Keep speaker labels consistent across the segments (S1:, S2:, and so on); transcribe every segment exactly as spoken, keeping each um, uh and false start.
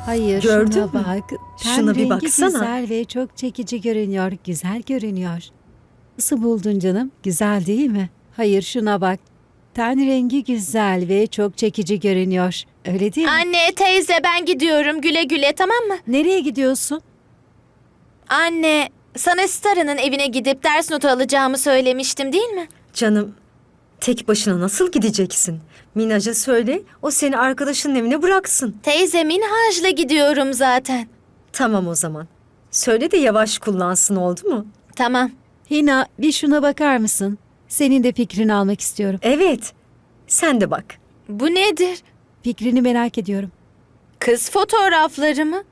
S1: Hayır,
S2: Gördün
S1: şuna
S2: mü?
S1: bak. Ten
S2: Şuna bir
S1: rengi
S2: baksana.
S1: güzel ve çok çekici görünüyor. Güzel görünüyor. Nasıl buldun canım? Güzel değil mi? Hayır, şuna bak. Ten rengi güzel ve çok çekici görünüyor. Öyle değil mi?
S3: Anne, teyze ben gidiyorum. Güle güle, tamam mı?
S1: Nereye gidiyorsun?
S3: Anne, sana Stara'nın evine gidip ders notu alacağımı söylemiştim değil mi?
S2: Canım, tek başına nasıl gideceksin? Minaj'a söyle, o seni arkadaşının evine bıraksın.
S3: Teyze, Minhaj'la gidiyorum zaten.
S2: Tamam o zaman. Söyle de yavaş kullansın, oldu mu?
S3: Tamam.
S1: Hina, bir şuna bakar mısın? Senin de fikrini almak istiyorum.
S2: Evet, sen de bak.
S3: Bu nedir?
S1: Fikrini merak ediyorum.
S3: Kız fotoğrafları mı?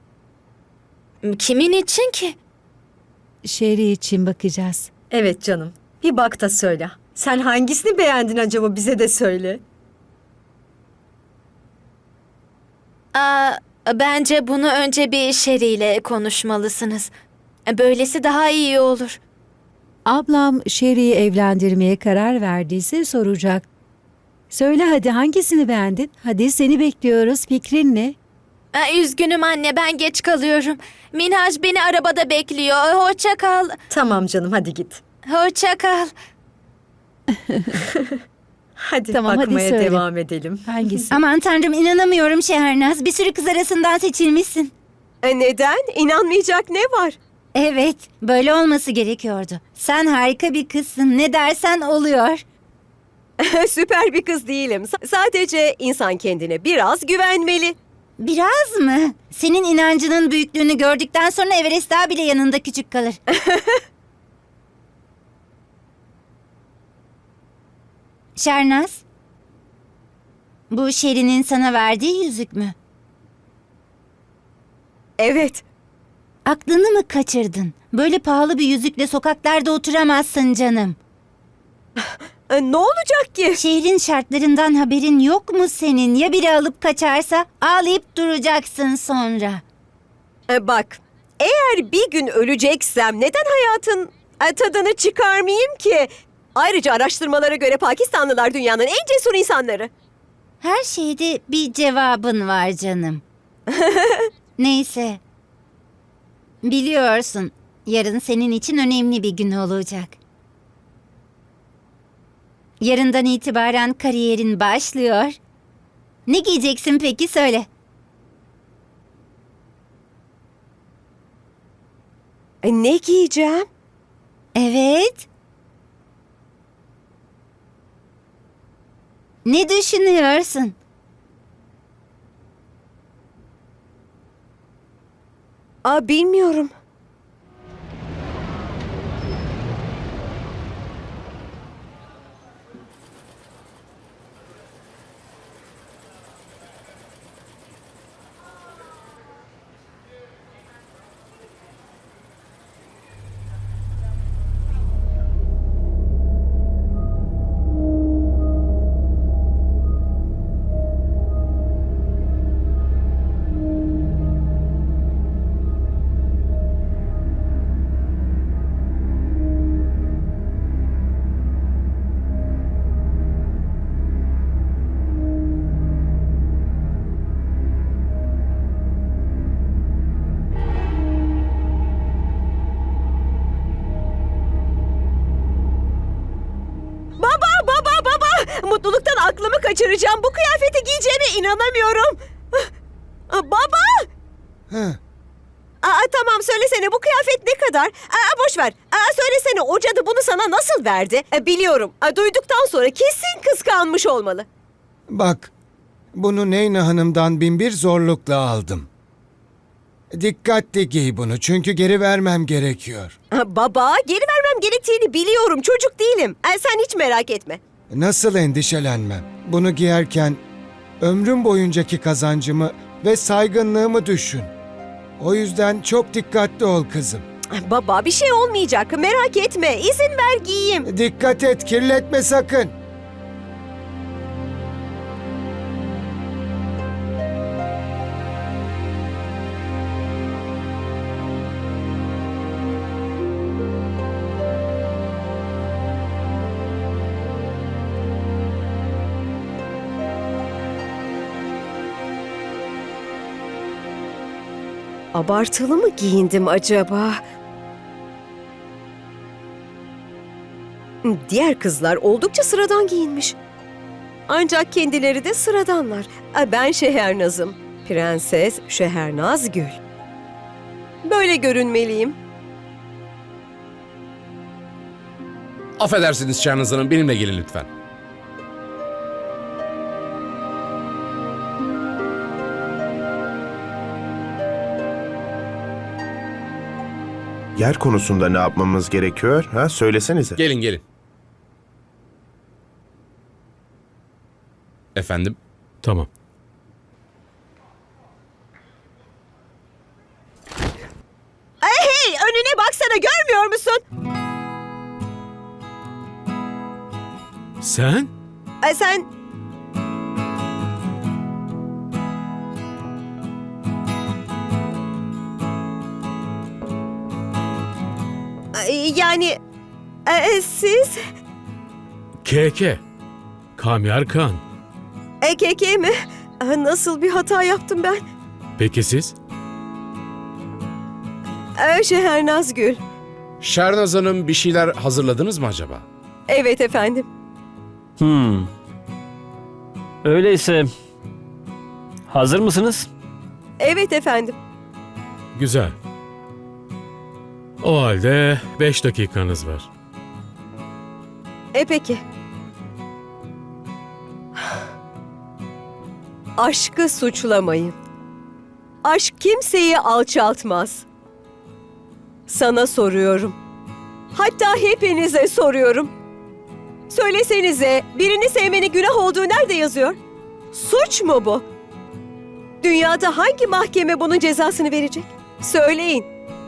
S3: Kimin için ki?
S1: Şeri için bakacağız.
S2: Evet canım, bir bak da söyle. Sen hangisini beğendin acaba, bize de söyle.
S3: Aa, bence bunu önce bir Sherry ile konuşmalısınız. Böylesi daha iyi olur.
S1: Ablam Şeri'yi evlendirmeye karar verdiyse soracak. Söyle hadi, hangisini beğendin? Hadi, seni bekliyoruz. Fikrin ne?
S3: Aa, üzgünüm anne, ben geç kalıyorum. Minhaj beni arabada bekliyor. Hoşça kal.
S2: Tamam canım, hadi git.
S3: Hoşça kal.
S2: Hadi
S1: Tamam, hadi
S2: bakmaya
S1: söyle.
S2: devam edelim.
S1: Hangisi?
S4: Aman tanrım, inanamıyorum Şehnaz. Bir sürü kız arasından seçilmişsin.
S5: E neden? İnanmayacak ne var?
S4: Evet, böyle olması gerekiyordu. Sen harika bir kızsın. Ne dersen oluyor.
S5: Süper bir kız değilim. S- sadece insan kendine biraz güvenmeli.
S4: Biraz mı? Senin inancının büyüklüğünü gördükten sonra Everest Dağı bile yanında küçük kalır. Şernaz, bu Şeri'nin sana verdiği yüzük mü?
S5: Evet.
S4: Aklını mı kaçırdın? Böyle pahalı bir yüzükle sokaklarda oturamazsın canım.
S5: E, ne olacak ki?
S4: Şehrin şartlarından haberin yok mu senin? Ya biri alıp kaçarsa ağlayıp duracaksın sonra.
S5: E, bak, eğer bir gün öleceksem neden hayatın e, tadını çıkarmayayım ki? Ayrıca araştırmalara göre Pakistanlılar dünyanın en cesur insanları.
S4: Her şeyde bir cevabın var canım. Neyse. Biliyorsun, yarın senin için önemli bir gün olacak. Yarından itibaren kariyerin başlıyor. Ne giyeceksin peki, söyle.
S5: E, ne giyeceğim?
S4: Evet. Ne düşünüyorsun?
S5: Aa, bilmiyorum. Baba, baba, baba! Mutluluktan aklımı kaçıracağım. Bu kıyafeti giyeceğime inanamıyorum. Aa, baba! Aa, tamam, söylesene, bu kıyafet ne kadar? Aa, boş ver. Aa, söylesene, o cadı bunu sana nasıl verdi? Aa, biliyorum. Aa, duyduktan sonra kesin kıskanmış olmalı.
S6: Bak, bunu Neyna Hanım'dan binbir zorlukla aldım. Dikkatli giy bunu çünkü geri vermem gerekiyor.
S5: Aa, baba, geri vermem gerektiğini biliyorum. Çocuk değilim. Aa, sen hiç merak etme.
S6: Nasıl endişelenmem? Bunu giyerken ömrüm boyuncaki kazancımı ve saygınlığımı düşün. O yüzden çok dikkatli ol kızım.
S5: Aa, baba, bir şey olmayacak. Merak etme. İzin ver giyeyim.
S6: Dikkat et, kirletme sakın.
S5: Abartılı mı giyindim acaba? Diğer kızlar oldukça sıradan giyinmiş. Ancak kendileri de sıradanlar. Ben Şehernaz'ım. Prenses Şehernaz Gül. Böyle görünmeliyim.
S7: Affedersiniz Şahnaz Hanım, benimle gelin lütfen.
S8: Yer konusunda ne yapmamız gerekiyor? Ha, söylesenize.
S7: Gelin gelin. Efendim?
S9: Tamam.
S5: Hey, önüne baksana, görmüyor musun?
S9: Sen?
S5: Ay, sen... Ay, yani... e, siz...
S9: K K. Kamyar Khan.
S5: E K K mi? E, Nasıl bir hata yaptım ben?
S9: Peki siz?
S5: E, Şehernaz Gül.
S7: Şahnaz Hanım, bir şeyler hazırladınız mı acaba?
S5: Evet efendim.
S10: Hmm. Öyleyse hazır mısınız?
S5: Evet efendim.
S9: Güzel. O halde beş dakikanız var.
S5: E peki. Aşkı suçlamayın. Aşk kimseyi alçaltmaz. Sana soruyorum. Hatta hepinize soruyorum. Söylesenize, birini sevmenin günah olduğu nerede yazıyor? Suç mu bu? Dünyada hangi mahkeme bunun cezasını verecek? Söyleyin.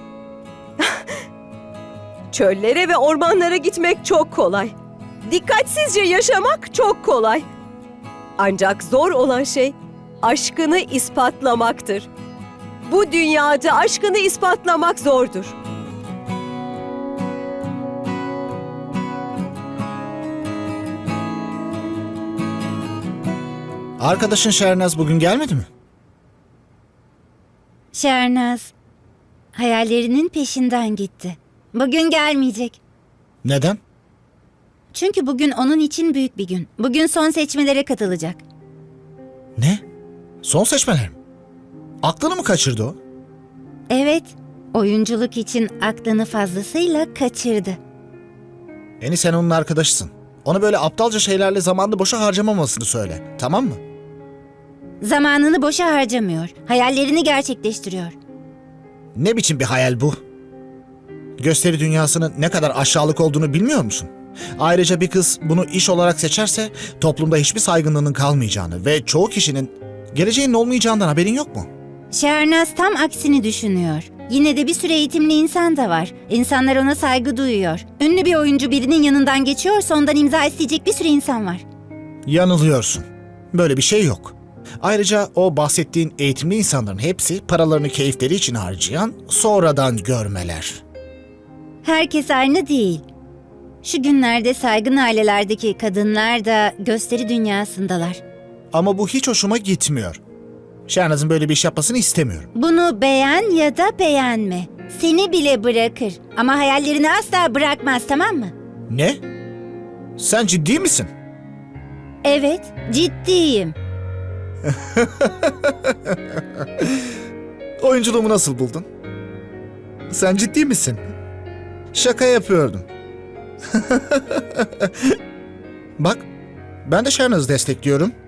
S5: Çöllere ve ormanlara gitmek çok kolay. Dikkatsizce yaşamak çok kolay. Ancak zor olan şey aşkını ispatlamaktır. Bu dünyada aşkını ispatlamak zordur.
S11: Arkadaşın Şernaz bugün gelmedi mi?
S4: Şernaz hayallerinin peşinden gitti. Bugün gelmeyecek.
S11: Neden?
S4: Çünkü bugün onun için büyük bir gün. Bugün son seçmelere katılacak.
S11: Ne? Son seçmeler mi? Aklını mı kaçırdı o?
S4: Evet, oyunculuk için aklını fazlasıyla kaçırdı.
S11: Eni sen onun arkadaşısın. Ona böyle aptalca şeylerle zamanını boşa harcamamasını söyle. Tamam mı?
S4: Zamanını boşa harcamıyor. Hayallerini gerçekleştiriyor.
S11: Ne biçim bir hayal bu? Gösteri dünyasının ne kadar aşağılık olduğunu bilmiyor musun? Ayrıca bir kız bunu iş olarak seçerse toplumda hiçbir saygınlığının kalmayacağını ve çoğu kişinin geleceğinin olmayacağından haberin yok mu?
S4: Şernaz tam aksini düşünüyor. Yine de bir sürü eğitimli insan da var. İnsanlar ona saygı duyuyor. Ünlü bir oyuncu birinin yanından geçiyorsa ondan imza isteyecek bir sürü insan var.
S11: Yanılıyorsun. Böyle bir şey yok. Ayrıca o bahsettiğin eğitimli insanların hepsi paralarını keyifleri için harcayan sonradan görmeler.
S4: Herkes aynı değil. Şu günlerde saygın ailelerdeki kadınlar da gösteri dünyasındalar.
S11: Ama bu hiç hoşuma gitmiyor. Şernaz'ın böyle bir iş yapmasını istemiyorum.
S4: Bunu beğen ya da beğenme. Seni bile bırakır ama hayallerini asla bırakmaz, tamam mı?
S11: Ne? Sen ciddi misin?
S4: Evet, ciddiyim.
S11: Oyunculuğumu nasıl buldun? Sen ciddi misin? Şaka yapıyordum. Bak, ben de Şernaz'ı destekliyorum.